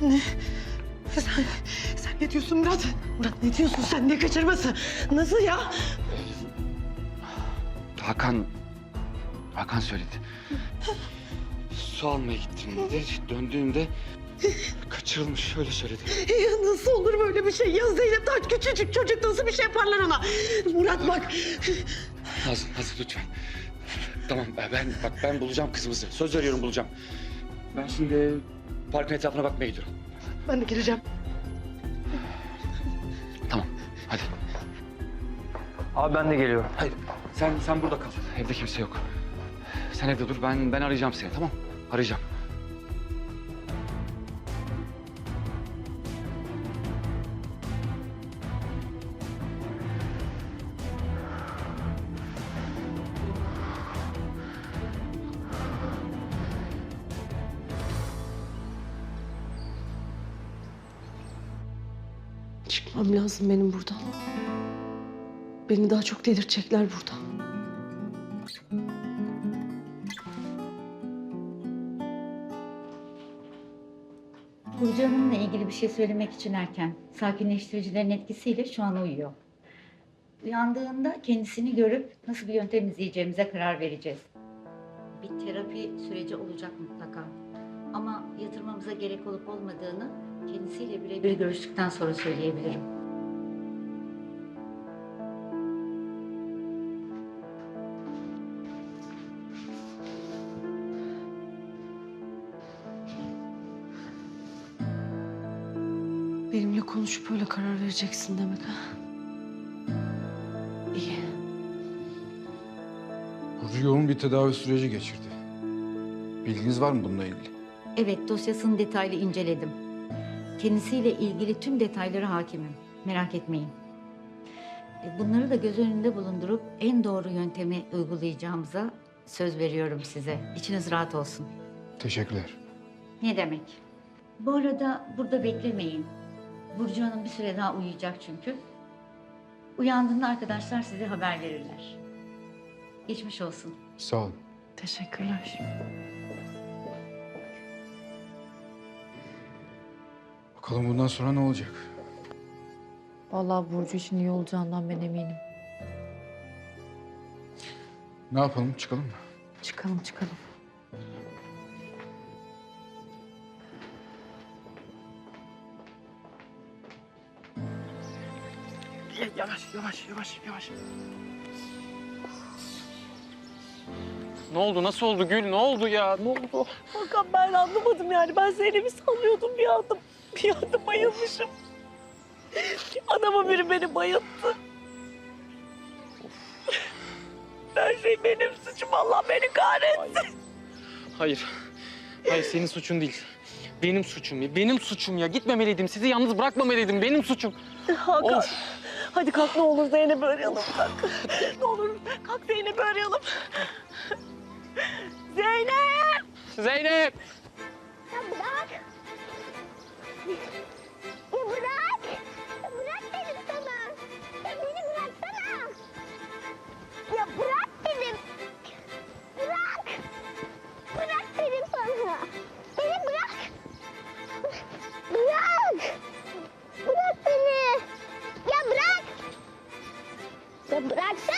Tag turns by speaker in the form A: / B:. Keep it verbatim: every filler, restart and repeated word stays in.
A: Ne? Sen, sen ne diyorsun Murat? Murat ne diyorsun sen? Ne kaçırması? Nasıl ya?
B: Hakan... Hakan söyledi. Su almaya gittim dedi. Döndüğümde kaçırılmış, öyle söyledi.
A: Ya nasıl olur böyle bir şey? Ya Zeynep daha küçücük çocuk, nasıl bir şey yaparlar ona? Murat bak.
B: Nazlı, Nazlı lütfen. Tamam ben bak ben bulacağım kızımızı. Söz veriyorum bulacağım. Ben şimdi parkın etrafına bakmaya gidiyorum.
A: Ben de geleceğim.
B: Tamam hadi.
C: Abi ben de geliyorum.
B: Hayır sen sen burada kal. Evde kimse yok. Sen evde dur, ben ben arayacağım seni, tamam? Arayacağım.
A: Çıkmam lazım benim buradan. Beni daha çok delirtecekler burada.
D: Burcu Hanım'la ilgili bir şey söylemek için erken. Sakinleştiricilerin etkisiyle şu an uyuyor. Uyandığında kendisini görüp nasıl bir yöntem izleyeceğimize karar vereceğiz. Bir terapi süreci olacak mutlaka. Ama yatırmamıza gerek olup olmadığını kendisiyle birebir görüştükten sonra söyleyebilirim.
A: Benimle konuşup öyle karar vereceksin demek ha? İyi.
E: Burcu yoğun bir tedavi süreci geçirdi. Bilginiz var mı bununla ilgili?
D: Evet, dosyasını detaylı inceledim. Kendisiyle ilgili tüm detaylara hakimim. Merak etmeyin. E, Bunları da göz önünde bulundurup en doğru yöntemi uygulayacağımıza söz veriyorum size. İçiniz rahat olsun.
E: Teşekkürler.
D: Ne demek? Bu arada burada beklemeyin. Burcu Hanım bir süre daha uyuyacak çünkü. Uyandığında arkadaşlar size haber verirler. Geçmiş olsun.
E: Sağ olun.
A: Teşekkürler.
E: Bakalım bundan sonra ne olacak?
F: Vallahi Burcu için iyi olacağından ben eminim.
E: Ne yapalım? Çıkalım mı?
F: Çıkalım çıkalım.
C: Yavaş, yavaş, yavaş, yavaş. Ne oldu? Nasıl oldu Gül? Ne oldu ya? Ne oldu?
A: Hakan ben anlamadım yani. Ben Zeynep'i sallıyordum bir anda. Bir anda bayılmışım. Adamın biri beni bayılttı. Her şey benim suçum. Allah beni kahretsin.
C: Hayır. Hayır, senin suçun değil. Benim suçum ya. Benim suçum ya. Gitmemeliydim. Sizi yalnız bırakmamalıydım. Benim suçum.
A: Hakan.
C: Of.
A: Hadi kalk ne olur Zeynep'i arayalım. Kalk. Ne olur kalk Zeynep'i arayalım. Zeynep!
C: Zeynep!
G: Ya bırak. Ya bırak. Ya bırak dedim sana. Ya beni bıraksana. Ya bırak dedim. Bırak. Bırak dedim sana. Beni bırak. Bırak. Bırak beni. Ya bırak. Ya bıraksana.